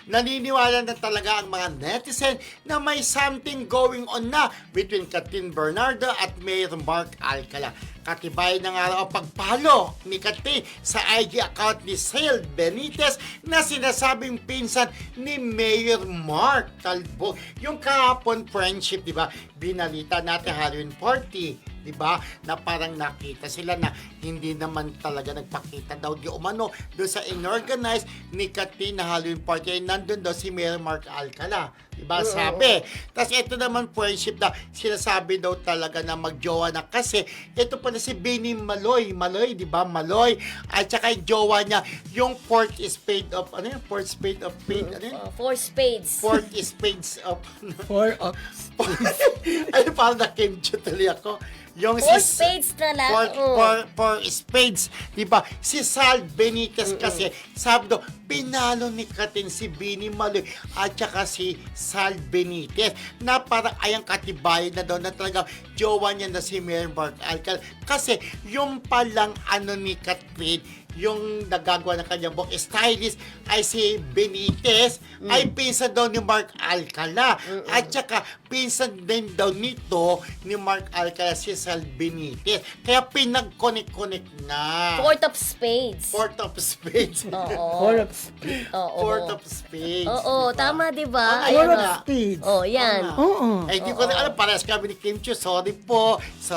naniniwala na talaga ang mga netizen na may something going on na between Catherine Bernardo at Mayor Mark Alcala. Katibay na nga raw ang pagpalo ni Catherine sa IG account ni Sale Benitez na sinasabing pinsan ni Mayor Mark Talbog. Yung kahapon friendship, di ba? Binalita natin Halloween party. Diba? Na parang nakita sila na hindi naman talaga nagpakita daw di umano doon sa inorganize ni Catherine na Halloween party ay nandun daw si Mayor Mark Alcala. Diba? Sabi. Tapos ito naman friendship na sinasabi daw talaga na magjowa na kasi ito pala si Benny Maloy, diba? Maloy. At saka yung jowa niya, yung fourth spade of, ano yun? Fourth spade of spade, ano yun? Four spades. Fourth spades of, Four of ano parang nakimcho tuloy ako. Yung Four spades na lang. Four spades. Diba? Si Sal Benitez kasi, sabi daw, pinalo ni Catherine si Benny Maloy at saka si Sal Benitez na parang ayang katibayan na daw na talaga jowa niya na si Mayor Mark Alcala. Kasi yung palang ano ni Catherine, yung nagagawa ng kanyang book stylist ay si Benitez ay pinsan daw ni Mark Alcala at saka pinsan din daw nito ni Mark Alcala si Sal Benitez kaya pinag-connect na Fourth of spades. Fourth of spades. Oo. Four of Fourth of spades. Oo, diba? tama, diba? Ah, Four ayun of nga. spades. Oh, yan. Oo. Eh, di ko na alam, parehas kami ni Kim Chiu. Sorry po.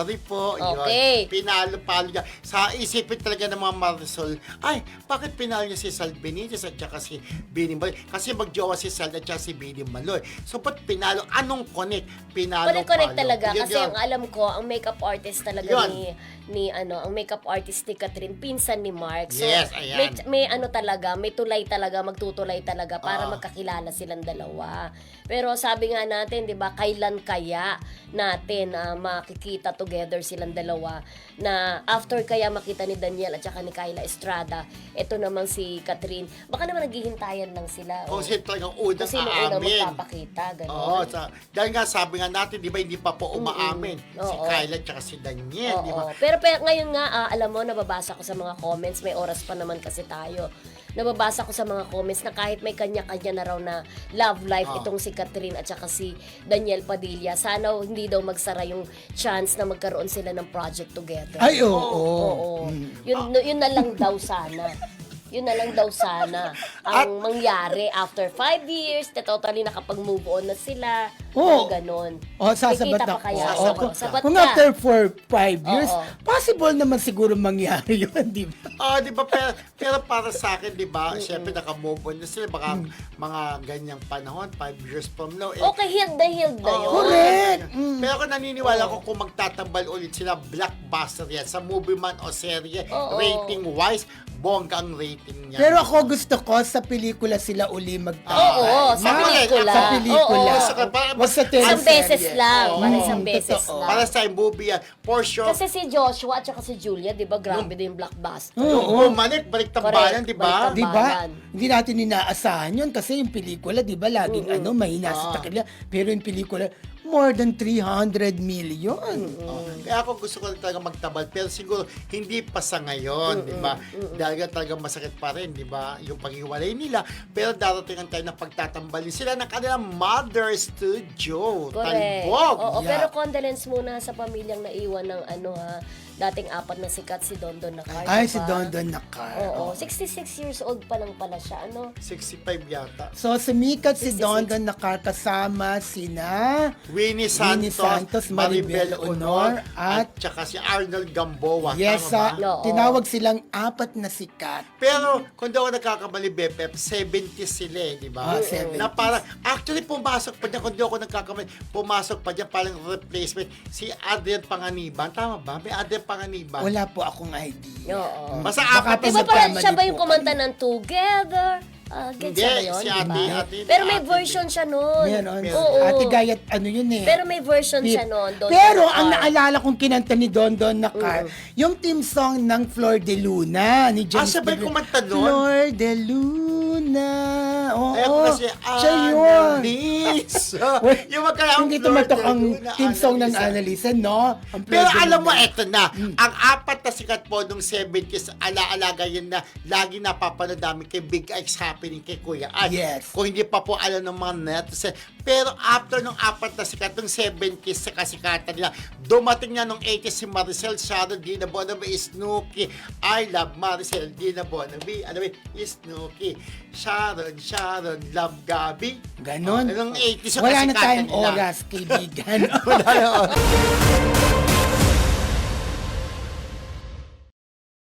Okay. Yun. Pinalo-palo niya. Sa isipin talaga ng mga Marisol, ay, bakit pinalo niya si Sal Benitez at saka si Benny Maloy? Kasi magjowa si Sal at saka si Benny Maloy. So, ba't pinalo? Anong connect? Connect talaga Yun, kasi yun. ang alam ko ang makeup artist talaga Yun. ang makeup artist ni Catherine pinsan ni Mark. So Yes, ayan. may ano talaga, may tulay talaga, magtutulay talaga para Ah. magkakilala silang dalawa. Pero sabi nga natin, 'di ba, kailan kaya natin makikita together silang dalawa na after kaya makita ni Daniel at saka ni Kyla Estrada, ito naman si Catherine, baka naman naghihintayan lang sila. Kung sino talagang unang Kung sino unang aamin. magpapakita, gano'n. Oo, dahil nga sabi nga natin, di ba, hindi pa po umaamin si Oo. Kyla at si Daniel, di ba? Oo. Pero ngayon nga, alam mo, nababasa ko sa mga comments, may oras pa naman kasi tayo. Nababasa ko sa mga comments na kahit may kanya-kanya na raw na love life itong si Catherine at saka si Daniel Padilla, sana hindi daw magsara yung chance na magkaroon sila ng project together. Ay, oo. Oo. Yun na lang daw sana. Yun na lang daw sana ang mangyari after 5 years, na totally nakapag-move on na sila. Oo. Ganon. Sasabat Kikita pa ako. kaya? Oo. Oo, sabat Kung ka. after 5 years, Oo. possible naman siguro mangyari yun, di ba? Di ba, pero para sa akin, di ba, syempre naka-move on na sila, baka mga ganyang panahon, 5 years from now. Okay, healed na yun. Correct. Pero ako naniniwala ko kung magtatambal ulit sila, blockbuster yan, sa movie man o serye, Oo. rating-wise, bongga ang rating niya. Pero ako gusto ko sa pelikula sila uli magtambal. Oo, sa Ma- pelikula. Sa pelikula. Oo. Wag sa Isang teleserye. beses lang. Oo. Para isang beses Totoo. lang. Para sa movie yan, for sure. Kasi si Joshua at saka si Julia, di ba, grabe din yung blockbuster. Oo. Bumalik, balik tambalan, Correct. di ba? Balik Di ba? Tambalan. Hindi natin inaasahan yun kasi yung pelikula, di ba, laging mahina sa takila. Pero yung pelikula, more than 300 million. Kaya ako gusto ko talaga magtabal, pero siguro hindi pa sa ngayon, di ba? Dahil nga talagang masakit pa rin, di ba? Yung paghiwalay nila, pero darating tayo na pagtatambalin sila ng kanilang mother studio. Correct. Talbog. Oo, Yeah. pero condolence muna sa pamilyang naiwan ng dating apat na sikat si Dondon Nakar. Ay, diba? si Dondon Nakar. Oo, 66 years old pa lang pala siya, 65 yata. So, sumikat si 66. Dondon Nakar kasama sina Winnie Santos, Maribel Honor, at saka si Arnold Gamboa. yes, tama ba? Oo. tinawag silang apat na sikat. Pero kung daw ako nagkakamali, BFF, 70 sila di ba? 70s. Na parang, actually pumasok pa dyan, kung di ako nagkakamali, pumasok pa dyan, parang replacement, si Adrian Panganiban. Tama ba? May Adrian Panganiban. Wala po akong idea. Oo. Basta Baka apat po Di ba na parang nagkamali siya ba po yung kumanta kami. ng Together? Hindi, Gets siya ba yun? si ate. Pero may ate version din. siya nun. Meron. Oo. Ate Gayat, ano yun eh. Pero may version siya nun. Dondon Pero Nakar. ang naalala kong kinanta ni Dondon Nakar, yung team song ng Flor de Luna ni James siya ba yung Pedro. kumanta nun? Flor de Luna. Oo. Ay, ako kasi, siya yun. Annalyn. Promise. Yung magkalaang Hindi tumatak ang na team song ng Annalisa. Annalisa, no? Ang Pero plug alam mo, nila. eto na. Ang apat na sikat po nung 70s, alaalaga yun na lagi napapanood namin kay Big X Happening kay Kuya Ad. Yes. Kung hindi pa po alam ng mga netizen. Pero after nung apat na sikat, nung 70s sa kasikatan nila, dumating na nung 80s si Maricel, Sharon, Dina Bonabe, Snooki. I love Maricel, Dina Bonabe, alam mo, Snooki. Sharon, love Gabi. Ganon. Nung 80s yung Wala na kasikatan tayong nila. oras, kaibigan. Wala na oras.